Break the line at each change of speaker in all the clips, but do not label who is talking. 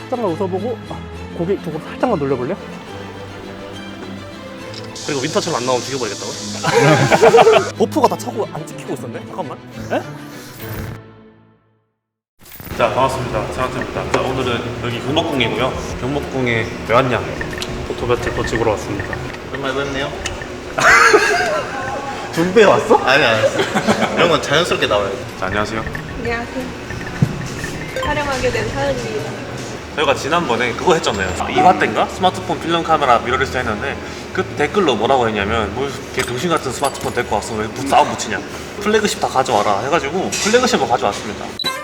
살짝만 웃어보고 고개 이쪽으로 살짝만 돌려볼래요?
그리고 윈터처럼 안 나오면 죽여버리겠다고? 버프가 다 차고 안 찍히고 있었네? 잠깐만. 에? 자, 반갑습니다. 세한테입니다. 자, 오늘은 여기 경복궁이고요. 경복궁에 왜 왔냐?
포토배틀 더 찍으러 왔습니다.
오랜만에 뵙네요.
준비해 왔어?
아니 안 했어. 이런 건 자연스럽게 나와요.
자, 안녕하세요.
안녕하세요. 촬영하게 된 사연입니다.
저희가 지난번에 그거 했잖아요. 2화 때인가? 스마트폰 필름 카메라 미러리스 했는데 그 댓글로 뭐라고 했냐면 뭐 이렇게 병신 같은 스마트폰 데리고 왔어 왜 싸움 붙이냐 플래그십 다 가져와라 해가지고 플래그십을 가져왔습니다.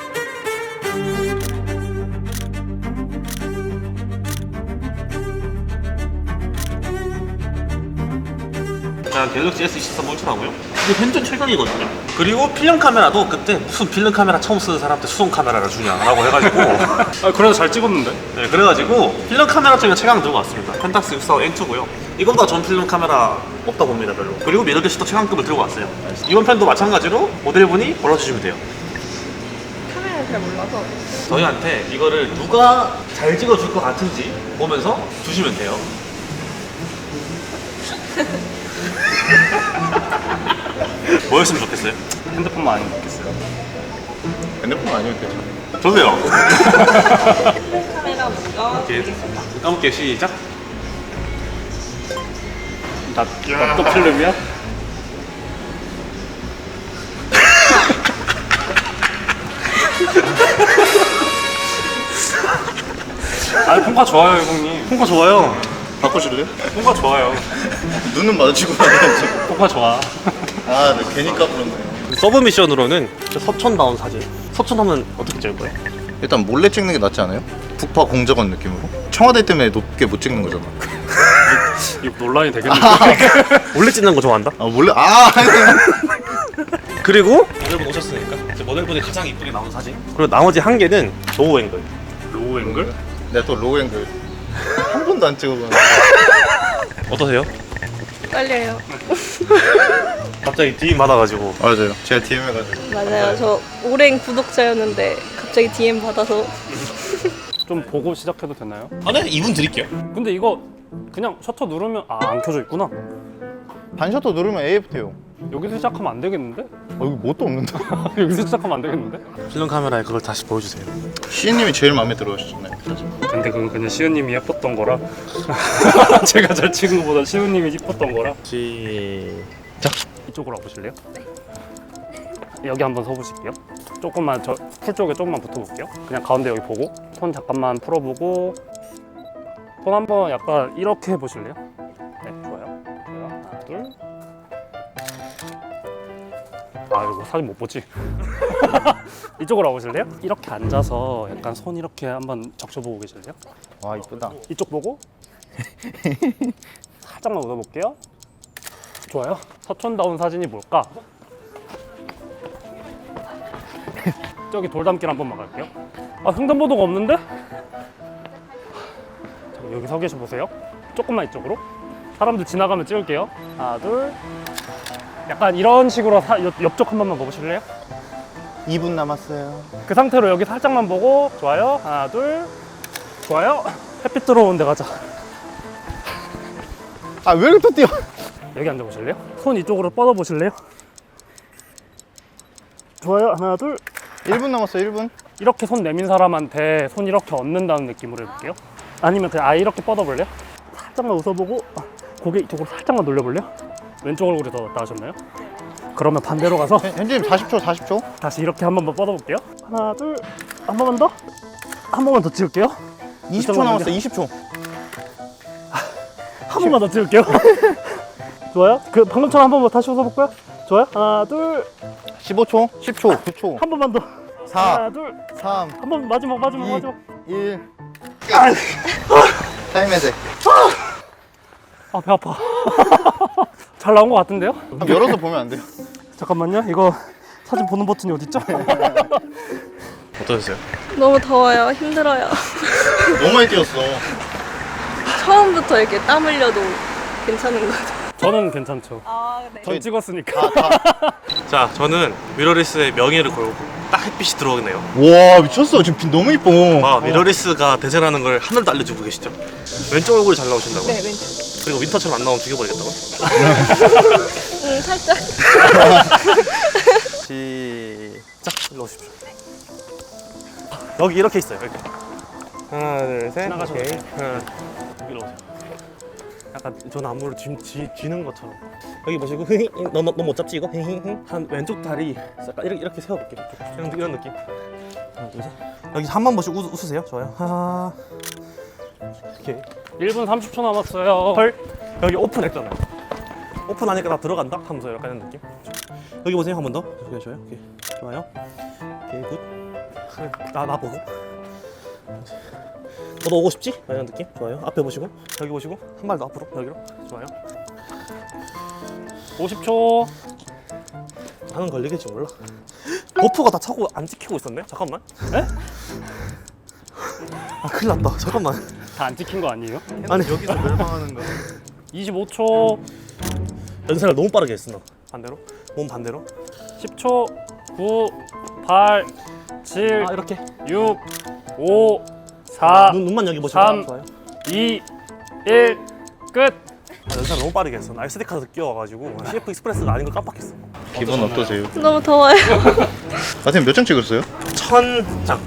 자, 갤럭시 S23 울트라고요. 이게 현존 최강이거든요. 그리고 필름 카메라도 그때 무슨 필름 카메라 처음 쓰는 사람한테 수동 카메라를 주냐라고 해가지고
아, 그래도 잘 찍었는데?
네, 그래가지고 필름 카메라 쪽에 최강 들고 왔습니다. 펜탁스 645 N2고요. 이거보다 전 필름 카메라 없다 봅니다, 별로. 그리고 미러리스도 최강급을 들고 왔어요. 이번 편도 마찬가지로 모델분이 골라주시면 돼요.
카메라를 잘 몰라서.
저희한테 이거를 누가 잘 찍어줄 것 같은지 보면서 주시면 돼요. 뭐였으면 좋겠어요?
핸드폰만 아니면 좋겠어요.
핸드폰 아니면 괜찮아.
좋네요.
카메라 먼저
오케이.
보겠습니다.
까먹게 시작.
또 필름이야? 아, 폰카 좋아요, 형님.
폰카 좋아요.
바꾸실래요?
폰카 좋아요.
눈은 마주치고 나가야지.
폰카 좋아.
아, 네, 괜히 까불었네요.
서브 미션으로는 서촌다운 사진. 서촌하면 어떻게 찍을 거예요?
일단 몰래 찍는 게 낫지 않아요? 북파 공작원 느낌으로. 청와대 때문에 높게 못 찍는 거잖아.
이거 논란이 되겠는데?
원래 찍는 거 좋아한다?
아, 몰래?
그리고 모델분 오셨으니까 이제 모델분이 가장 이쁘게 나온 사진. 그리고 나머지 한 개는 로우 앵글.
로우 앵글?
내가 또 로우 앵글 한 번도 안 찍어봤는데.
어떠세요?
떨려요.
갑자기 DM 받아가지고.
맞아요. 제가 DM 해가지고.
맞아요. 저 오랜 구독자였는데 갑자기 DM 받아서
좀 보고 시작해도 되나요?
아, 네, 2분 드릴게요.
근데 이거 그냥 셔터 누르면 안 켜져 있구나.
반셔터 누르면 AF 돼요.
여기서 시작하면 안 되겠는데?
여기 뭣도 없는데.
여기서 시작하면 안 되겠는데?
필름 카메라에 그걸 다시 보여주세요.
시인님이 제일 마음에 들어하셨잖아요.
근데 그건 그냥 시우님이 예뻤던 거라 제가 잘 찍은 것보다 시우님이 예뻤던 거라.
시작.
이쪽으로 와보실래요? 여기 한번 서보실게요. 조금만 저 풀 쪽에 조금만 붙어볼게요. 그냥 가운데 여기 보고 손 잠깐만 풀어보고 손 한번 약간 이렇게 해보실래요? 네, 좋아요. 좋아요. 하나, 둘. 아, 이거 사진 못 보지? 이쪽으로 와보실래요? 이렇게 앉아서 약간 손 이렇게 한번 적셔보고 계실래요?
와, 이쁘다.
이쪽 보고 살짝만 웃어볼게요. 좋아요. 서촌다운 사진이 뭘까? 저기 돌담길 한 번만 갈게요. 아, 횡단보도가 없는데? 자, 여기 서 계셔 보세요. 조금만 이쪽으로. 사람들 지나가면 찍을게요. 하나, 둘. 약간 이런 식으로 옆쪽 한 번만 보실래요?
2분 남았어요.
그 상태로 여기 살짝만 보고. 좋아요. 하나, 둘. 좋아요. 햇빛 들어오는 데 가자.
아, 왜 이렇게 또 뛰어?
여기 앉아보실래요? 손 이쪽으로 뻗어보실래요? 좋아요. 하나, 둘.
1분 남았어요, 1분.
이렇게 손 내민 사람한테 손 이렇게 얻는다는 느낌으로 해볼게요. 아니면 그냥 아예 이렇게 뻗어볼래요? 살짝만 웃어보고 고개 이쪽으로 살짝만 돌려볼래요? 왼쪽 얼굴이 더 나으셨나요? 그러면 반대로 가서
현진님 40초, 40초.
다시 이렇게 한 번만 뻗어볼게요. 하나, 둘. 한 번만 더. 한 번만 더 찍을게요.
20초 남았어요, 20초.
한 번만 더 찍을게요. 좋아요. 그 방금처럼 한 번만 다시 웃어볼까요? 좋아요. 하나, 둘.
15초, 10초, 9초,
한 번만 더.
4,
하나, 둘.
3,
한 번 마지막.
2, 1. 타임 해제.
아, 배 아파. 잘 나온 것 같은데요?
한번 열어서 보면 안 돼요?
잠깐만요. 이거 사진 보는 버튼이 어딨죠?
어떠셨어요?
너무 더워요. 힘들어요.
너무 많이 뛰었어.
처음부터 이렇게 땀 흘려도 괜찮은 거죠?
저는 괜찮죠.
아, 네.
전 찍었으니까.
자, 저는 미러리스의 명예를 걸고 딱 햇빛이 들어오네요.
와 미쳤어. 지금 빛 너무 이뻐.
아, 미러리스가 대세라는 걸 하늘도 알려주고 계시죠? 왼쪽 얼굴이 잘 나오신다고요?
네, 왼쪽.
그리고 윈터처럼 안 나오면 죽여버리겠다고?
살짝.
시작! 일로 오십시오. 여기 이렇게 있어요, 이렇게. 하나, 둘, 셋.
지나가셔도
오케이.
돼요.
하나, 여기로 오세요. 약간 저 나무를 쥐는 것처럼. 여기 보시고, 너 못 잡지, 이거? 한 왼쪽 다리 약간 이렇게 세워볼게요. 이런 느낌. 하나, 둘, 셋. 여기 한 번 보시고 웃으세요. 좋아요. 하나. 이렇게.
1분 30초 남았어요.
헐. 여기 오픈했잖아요. 오픈하니까 나 들어간다 하면서 약간 이런 느낌. 여기 보세요. 한 번 더. 오케이, 좋아요. 오케이. 좋아요. 오케이, 굿. 나 보고. 너도 오고 싶지? 이런 느낌. 좋아요. 앞에 보시고. 여기 보시고. 한 발 더 앞으로. 여기로. 좋아요.
50초.
나는 걸리겠지 몰라. 버프가 다 차고 안 찍히고 있었네. 잠깐만. 에? 아, 큰일 났다. 잠깐만.
다 안 찍힌 거 아니에요?
아니,
여기서 멸망하는 거.
25초.
연습을 너무 빠르게 했어. 너. 반대로. 몸 반대로.
10초. 9, 8, 7,
아, 이렇게.
6, 5, 4,
눈만 여기 보시고.
3.
좋아요.
2, 1. 끝.
아, 연습을 너무 빠르게 했어. 나 SD 카드 끼워가지고 CF 익스프레스가 아닌 걸 깜빡했어.
기분 어떠세요?
너무 더워요.
선생님 몇 장 찍었어요?
1000장.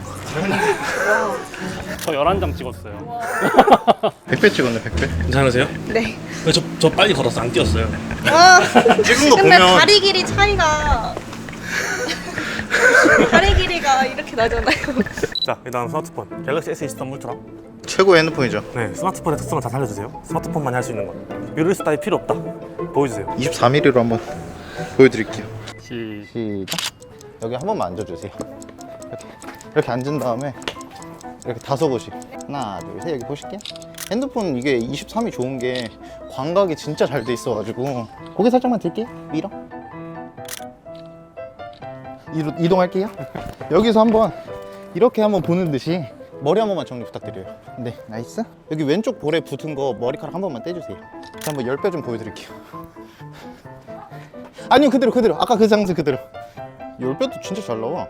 저 11장 찍었어요.
100배 찍었네 100배.
괜찮으세요?
네.
저 빨리 걸어서 안 뛰었어요.
와.
찍은 거
근데
보면
다리 길이 차이가. 다리 길이가 이렇게 나잖아요.
자, 일단 스마트폰 갤럭시 S23 울트라.
최고의 핸드폰이죠.
네, 스마트폰의 특성을 다 살려주세요. 스마트폰만이 할 수 있는 거. 미러리스 따위 필요 없다. 보여주세요.
24mm로 한번 보여드릴게요.
시작.
시작. 여기 한 번만 앉아주세요. 이렇게 앉은 다음에 이렇게 5곳이 하나 둘 셋 여기 보실게요. 핸드폰 이게 23이 좋은 게 광각이 진짜 잘 돼 있어가지고 고개 살짝만 들게요. 밀어. 이동할게요. 여기서 한번 이렇게 한번 보는 듯이 머리 한 번만 정리 부탁드려요. 네, 나이스. 여기 왼쪽 볼에 붙은 거 머리카락 한 번만 떼주세요. 자, 한번 10배 좀 보여드릴게요. 아니요, 그대로. 아까 그 장소 그대로. 10배도 진짜 잘 나와.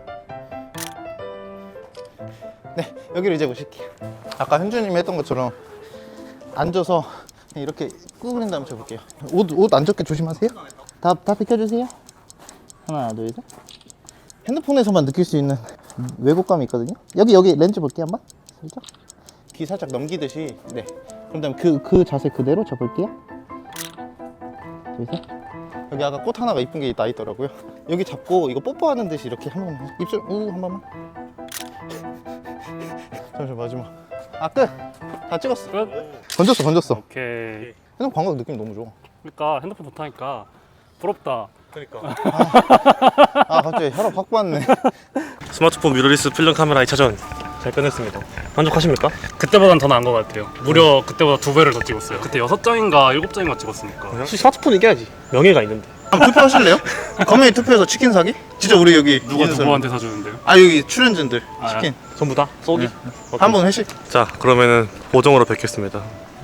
네, 여기로 이제 보실게요. 아까 현주님이 했던 것처럼 앉아서 그냥 이렇게 구부린 다음에 쳐볼게요. 옷 안 젖게 조심하세요. 다 비켜주세요. 하나, 둘, 셋. 핸드폰에서만 느낄 수 있는 왜곡감이 있거든요. 여기 렌즈 볼게요 한번. 살짝. 귀 살짝 넘기듯이. 네. 그럼 다음에 그 자세 그대로 접을게요. 둘, 셋. 여기 아까 꽃 하나가 이쁜 게 나 있더라고요. 여기 잡고 이거 뽀뽀하는 듯이 이렇게 한 번만. 입술 한 번만. 잠시만 마지막. 아 끝. 다 찍었어.
끝.
건졌어.
오케이.
핸드폰 광각 느낌 너무 좋아.
그러니까 핸드폰 좋다니까. 부럽다.
그러니까.
아 갑자기 혈압 확 받네.
스마트폰 미러리스 필름 카메라 2차전 잘 끝냈습니다. 만족하십니까?
그때보단 더 나은 것 같아요. 무려 그때보다 2배를 더 찍었어요. 그때 6장인가 7장인가 찍었으니까.
스마트폰 이겨야지. 명예가 있는데.
한번 투표하실래요? 커뮤니티 투표해서 치킨 사기? 진짜 우리 여기
누가
있는 사람.
누구한테 사주는데요?
아 여기 출연진들
아,
치킨
전부 다? 쏘기?
네.
오케이.
한번 회식.
자, 그러면은 보정으로 뵙겠습니다.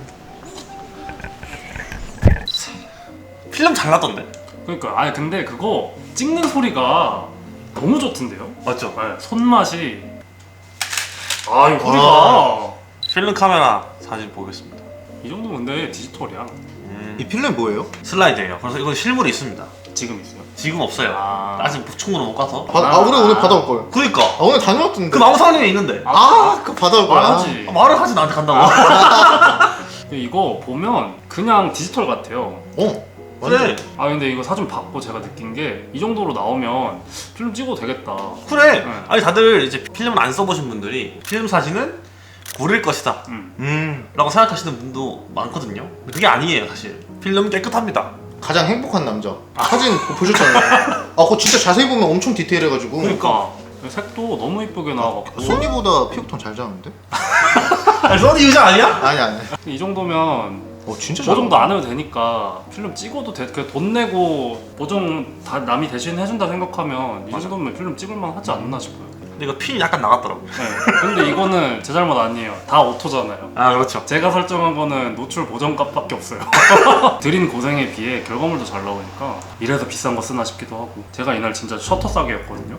필름 잘 나던데?
그러니까 아니 근데 그거 찍는 소리가 너무 좋던데요?
맞죠?
네, 손맛이 이 소리가
필름 카메라 사진 보겠습니다.
이 정도면 근데 디지털이야.
이 필름 뭐예요?
슬라이드예요. 그래서 이건 실물이 있습니다.
지금 있어요.
지금 없어요.
아.
아직 충으로 못 가서.
우리 오늘 받아올 거예요.
그러니까.
아 오늘 다녀왔던데.
그 망상에 있는데.
그 받아올 거야.
말하지.
말을 하지 나한테 간다고.
근데 이거 보면 그냥 디지털 같아요.
그래.
근데 이거 사진 받고 제가 느낀 게 이 정도로 나오면 필름 찍어도 되겠다.
그래.
네.
아니 다들 이제 필름을 안 써보신 분들이 필름 사진은 고를 것이다. 라고 생각하시는 분도 많거든요. 근데 그게 아니에요 사실. 필름은 깨끗합니다.
가장 행복한 남자. 사진 보셨잖아요. 그거 진짜 자세히 보면 엄청 디테일해가지고.
그러니까 색도 너무 이쁘게 나와갖고
소니보다 피부톤 잘 잡는데?
아니 소니 유자 아니야?
아니.
이 정도면
진짜
저 정도 안 해도 되니까 필름 찍어도 돼. 그돈 내고 보정 다 남이 대신 해준다 생각하면 이 정도면 필름 찍을만 하지 않나 싶어요.
근데 이거 핀이 약간 나갔더라고.
네. 근데 이거는 제 잘못 아니에요. 다 오토잖아요.
아 그렇죠.
제가 설정한 거는 노출 보정값밖에 없어요. 들인 고생에 비해 결과물도 잘 나오니까 이래서 비싼 거 쓰나 싶기도 하고. 제가 이날 진짜 셔터 싸게였거든요.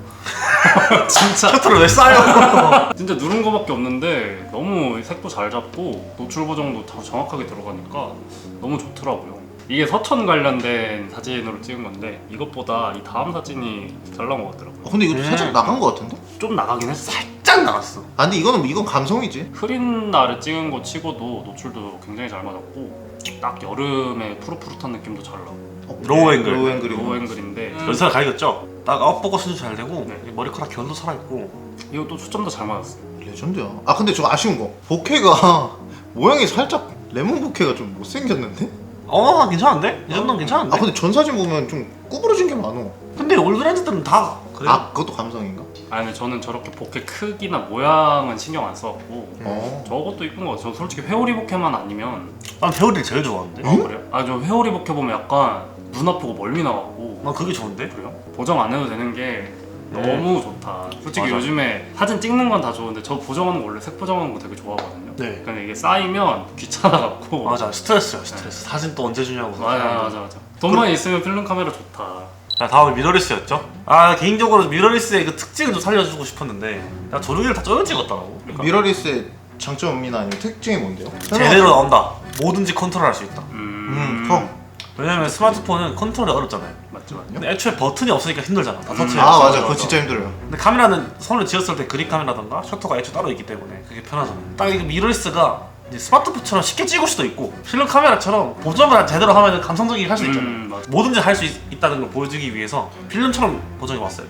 진짜
셔터를 왜 싸요?
진짜 누른 거밖에 없는데 너무 색도 잘 잡고 노출 보정도 다 정확하게 들어가니까 너무 좋더라고요. 이게 서천 관련된 사진으로 찍은 건데 이것보다 이 다음 사진이 잘 나온 것 같더라고요.
근데 이거 살짝 나간 거 같은데?
좀 나가긴 했어.
짝 나갔어.
아 근데 이건 감성이지.
흐린 날에 찍은 거 치고도 노출도 굉장히 잘 맞았고 딱 여름에 푸릇푸릇한 느낌도 잘 나고.
로우 앵글.
로우 앵글이고.
로우 앵글인데
연사가 가리겠죠? 딱 아웃포커스도 잘 되고
네.
머리카락 결도 살아있고.
이것도 초점도 잘 맞았어요.
레전드야. 아 근데 저 아쉬운 거 보케가 모양이 살짝 레몬 보케가 좀 못생겼는데?
괜찮은데? 이 정도는 괜찮은데?
아 근데 전 사진 보면 좀 구부러진 게 많어.
근데 올브랜드들은 다 그래.
아 그것도 감성인가?
아니 근데 저는 저렇게 보케 크기나 모양은 신경 안 써갖고 저것도 이쁜 거 같아요. 저 솔직히 회오리 보케만 아니면
난 배우들이 제일 좋아하는데.
그래요? 아 저 회오리 보케 보면 약간 눈 아프고 멀미 나가고
난 그게 좋은데?
그래요? 보정 안 해도 되는 게 너무 좋다. 솔직히
맞아.
요즘에 사진 찍는 건 다 좋은데 저 보정하는 거 원래 색 보정하는 거 되게 좋아하거든요.
네.
근데 이게 쌓이면 귀찮아갖고
맞아, 스트레스야 스트레스. 사진 또 언제 주냐고.
맞아. 돈만 있으면 필름 카메라 좋다.
자, 다음에 미러리스였죠? 아 개인적으로 미러리스의 그 특징을 좀 살려주고 싶었는데 나 조르기를 다 쪼여 찍었더라고. 그러니까
미러리스의 장점이나 아니면 특징이 뭔데요?
제대로 나온다. 뭐든지 컨트롤할 수 있다.
형.
왜냐면 스마트폰은 컨트롤이 어렵잖아요.
맞죠.
근데 애초에 버튼이 없으니까 힘들잖아. 다 터치해.
아 맞아 그거 진짜 힘들어요.
근데 카메라는 손을 쥐었을 때 그립 카메라던가 셔터가 애초에 따로 있기 때문에 그게 편하잖아. 딱 이게 미러리스가 이제 스마트폰처럼 쉽게 찍을 수도 있고 필름 카메라처럼 보정을 제대로 하면 감성적이게 할 수 있잖아.
맞아.
뭐든지 할 수 있다는 걸 보여주기 위해서 필름처럼 보정해 봤어요.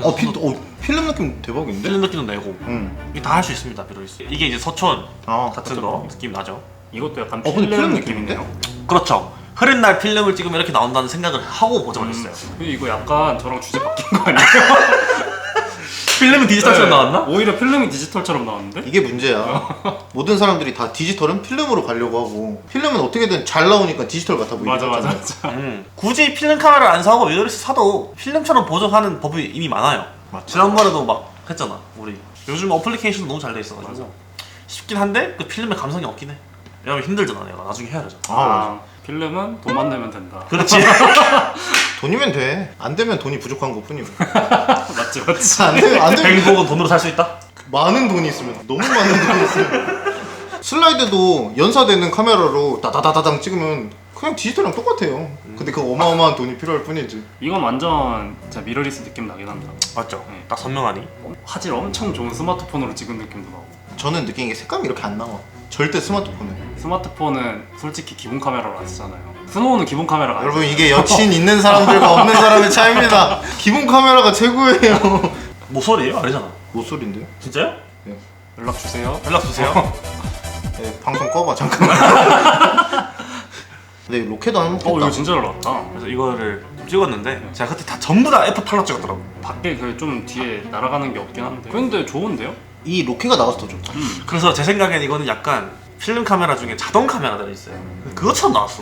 필름 느낌 대박인데?
필름 느낌도 내고
응.
이게 다 할 수 있습니다. 미러리스. 이게 이제 서촌
아
같은 거 느낌 나죠.
이것도 약간
근데
필름
필름
느낌이네요.
그렇죠. 흐린 날 필름을 찍으면 이렇게 나온다는 생각을 하고 보정을 했어요.
근데 이거 약간 저랑 주제 바뀐 거 아니에요?
필름은 디지털처럼 나왔나?
오히려 필름이 디지털처럼 나왔는데?
이게 문제야. 모든 사람들이 다 디지털은 필름으로 가려고 하고 필름은 어떻게든 잘 나오니까 디지털 같아 보이게
맞아.
하잖아.
굳이 필름 카메라를 안 사고 미러리스 사도 필름처럼 보정하는 법이 이미 많아요. 지난번에도 막 했잖아 우리. 요즘 어플리케이션도 너무 잘 돼 있어가지고
맞아.
쉽긴 한데 그 필름의 감성이 없긴 해. 왜냐면 힘들잖아 내가 나중에 해야 되잖아.
아, 필름은 돈만 내면 된다.
그렇지.
돈이면 돼. 안 되면 돈이 부족한 것 뿐이고.
맞지.
안 되면
행복은 돈으로 살 수 있다?
많은 돈이 있으면 너무 많은 돈이 있으면 슬라이드도 연사되는 카메라로 다다다다당 찍으면 그냥 디지털이랑 똑같아요. 근데 그 어마어마한 돈이 필요할 뿐이지.
이건 완전 진짜 미러리스 느낌 나긴 합니다.
맞죠?
네.
딱 선명하니?
화질 엄청 좋은 스마트폰으로 찍은 느낌도 나고.
저는 느낀 게 색감이 이렇게 안 나와. 절대 스마트폰에.
스마트폰은 솔직히 기본 카메라로 안 쓰잖아요. 스노우는 기본 카메라가
여러분
아니잖아요.
이게 여친 있는 사람들과 없는 사람의 차이입니다. 기본 카메라가 최고예요.
모서리예요? 아니잖아.
모쏠인데요?
진짜요?
연락 주세요.
연락 주세요.
네, 방송 꺼봐 잠깐만. 근데 로켓도 안 먹겠다.
이거 진짜 잘 나왔다.
그래서 이거를 좀 찍었는데 제가 그때 다 전부 다 F8로 찍었더라고.
밖에 그 좀 뒤에 날아가는 게 없긴 한데. 근데 좋은데요?
이 로켓가 나와서 더 좋다.
그래서 제 생각엔 이거는 약간 필름 카메라 중에 자동 카메라들이 있어요. 그것처럼 나왔어.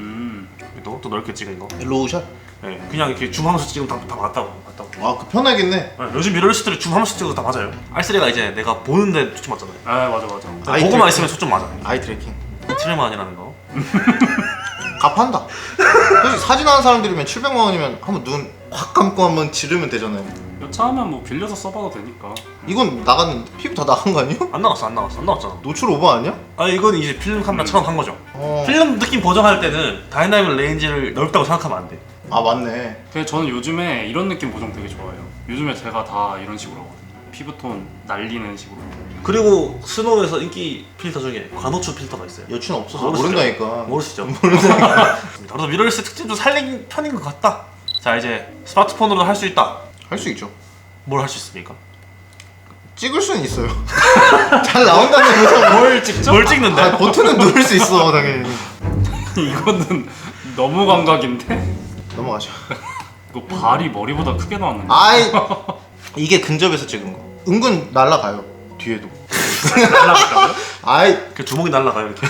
또 넓게 찍은 거.
로우샷?
네, 그냥 이렇게 줌하면서 찍으면 다 맞다고.
아, 그 편하겠네.
네, 요즘 미러리스들이 줌하면서 찍어도 다 맞아요. R3가 이제 내가 보는데 초점 맞잖아요.
아 맞아.
아이
보고만
트래킹.
있으면 초점 맞아.
아이 트래킹.
트레만이라는 거.
값한다. 솔직히 사진하는 사람들이면 700만 원이면 한번 눈 확 감고 한번 지르면 되잖아요.
여차하면 뭐 빌려서 써봐도 되니까.
이건 나갔는데 피부 다 나간 거 아니에요?
안 나왔잖아.
노출 오버 아니야?
아 이건 이제 필름 카메라처럼 한 거죠.
어.
필름 느낌 보정할 때는 다이나믹 레인지를 넓다고 생각하면 안 돼.
아 맞네.
그래서 저는 요즘에 이런 느낌 보정 되게 좋아해요. 요즘에 제가 다 이런 식으로 하거든요. 피부톤 날리는 식으로.
그리고 스노우에서 인기 필터 중에 관호추 필터가 있어요.
여친 없어서
모르시죠?
모른다니까.
모르시죠? 모른다니까. 그래서 미러리스 특징 좀 살린 편인 것 같다. 자 이제 스마트폰으로도 할 수 있다.
할 수 있죠.
뭘 할 수 있습니까?
찍을 수는 있어요. 잘 나온다는 거죠.
뭘 찍죠?
뭘 찍는데?
아, 버튼은 누를 수 있어 당연히.
이거는 너무 감각인데?
넘어가죠.
이거 발이 머리보다 크게 나왔는데.
아이 이게 근접에서 찍은 거. 은근 날라가요. 뒤에도.
날라갈까요?
아이
그 주먹이 날라가요 이렇게.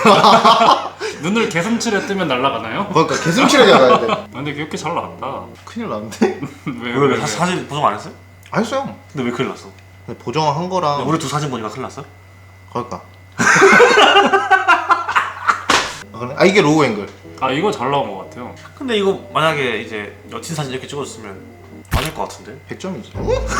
눈을 개슴츠레 뜨면 날아가나요?
그러니까 개슴치레 나가야 돼.
근데 이렇게 잘 나왔다.
큰일 났는데?
왜?
왜 사진 보정 안 했어요?
안 했어요.
근데 왜 큰일 났어?
근데 보정한 거랑
우리 두 사진 보니까 큰일 났어?
그럴까? 아 이게 로우 앵글.
아 이거 잘 나온 것 같아요.
근데 이거 만약에 이제 여친 사진 이렇게 찍어줬으면 아닐 것 같은데?
100점이지.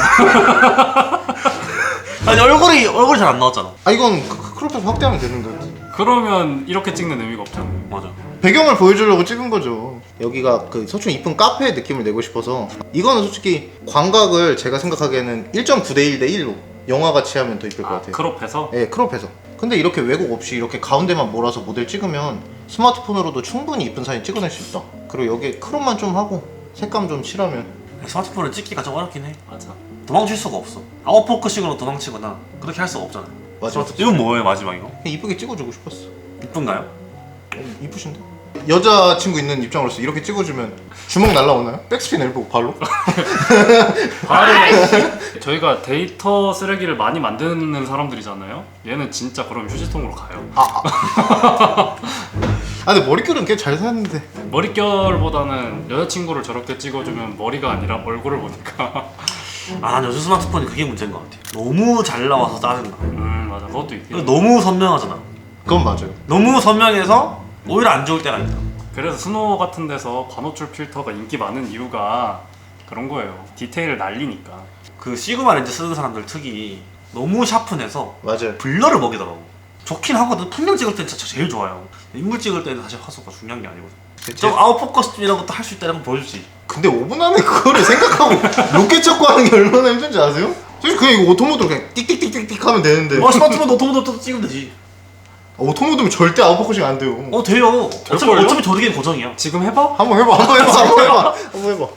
아니 얼굴이 잘 안 나왔잖아.
아 이건 크롭해서 확대하면 되는 거지.
그러면 이렇게 찍는 의미가 없잖아요.
맞아.
배경을 보여주려고 찍은 거죠. 여기가 그 서촌 이쁜 카페의 느낌을 내고 싶어서. 이거는 솔직히 광각을 제가 생각하기에는 1.9대 1대 1로 영화 같이 하면 더 이쁠 것 같아요.
크롭해서?
네, 크롭해서. 근데 이렇게 왜곡 없이 이렇게 가운데만 몰아서 모델 찍으면 스마트폰으로도 충분히 이쁜 사진 찍어낼 수 있다. 그리고 여기에 크롭만 좀 하고 색감 좀 칠하면.
스마트폰을 찍기가 좀 어렵긴 해.
맞아.
도망칠 수가 없어. 아웃포커싱으로 도망치거나 그렇게 할 수가 없잖아.
맞아.
이건 뭐예요 마지막 이거?
그냥 이쁘게 찍어주고 싶었어.
이쁜가요?
이쁘신데? 여자친구 있는 입장으로서 이렇게 찍어주면 주먹 날라오나요? 백스핀 엘보 발로?
바로 저희가 데이터 쓰레기를 많이 만드는 사람들이잖아요. 얘는 진짜 그럼 휴지통으로 가요.
아 근데 머릿결은 꽤 잘 샀는데.
머릿결보다는 여자친구를 저렇게 찍어주면 머리가 아니라 얼굴을 보니까.
아 요즘 스마트폰이 그게 문제인 것 같아. 너무 잘 나와서 짜증나.
맞아. 그것도
그리고
있긴.
너무 선명하잖아.
그건 맞아요.
너무 선명해서 오히려 안 좋을 때가 있다.
그래서 스노우 같은 데서 관호출 필터가 인기 많은 이유가 그런 거예요. 디테일을 날리니까.
그 시그마 렌즈 쓰는 사람들 특이 너무 샤픈해서
맞아요.
블러를 먹이더라고. 좋긴 하거든. 풍경 찍을 때는 진짜 제일 좋아요. 인물 찍을 때는 사실 화소가 중요한 게 아니거든. 좀 아웃포커스 이런 것도 할 수 있다는 건 보여주지.
근데 5분 안에 그거를 생각하고 로켓 찾고 하는 게 얼마나 힘든지 아세요? 솔직히 그냥 이거 오토모드로 그냥 띡띡띡띡 하면 되는데.
스마트폰 오토모드 찍으면 되지.
오토모드면 절대 아웃포커싱 안 돼요.
돼요.
될걸요?
어차피 조리개는 고정이야.
지금 해봐?
한번 해봐. 한번 해봐.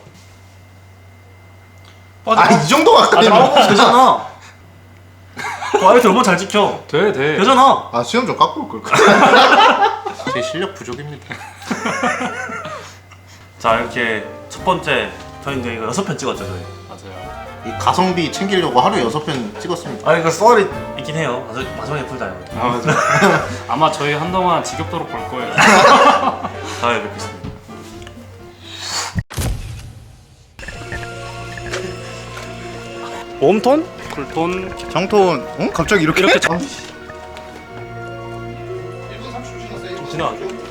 아 이 정도 가까이면.
아웃포커스 되잖아. 아이들 얼마나 잘 찍혀.
돼.
되잖아.
아 수염 좀 깎고 올 걸. 제 실력 부족입니다.
자 이렇게 첫 번째 저희 이제 이거 6편 찍었죠 저희.
맞아요.
이 가성비 챙기려고 하루 6편 찍었습니다.
아 이거 썰이 있긴 해요. 마지막에 풀자 이거.
아, 맞아. 아마 저희 한동안 지겹도록 볼 거예요.
다음에 뵙겠습니다.
웜톤? 쿨톤?
정톤. 응? 갑자기 이렇게?
이렇게
아,
진행할게요.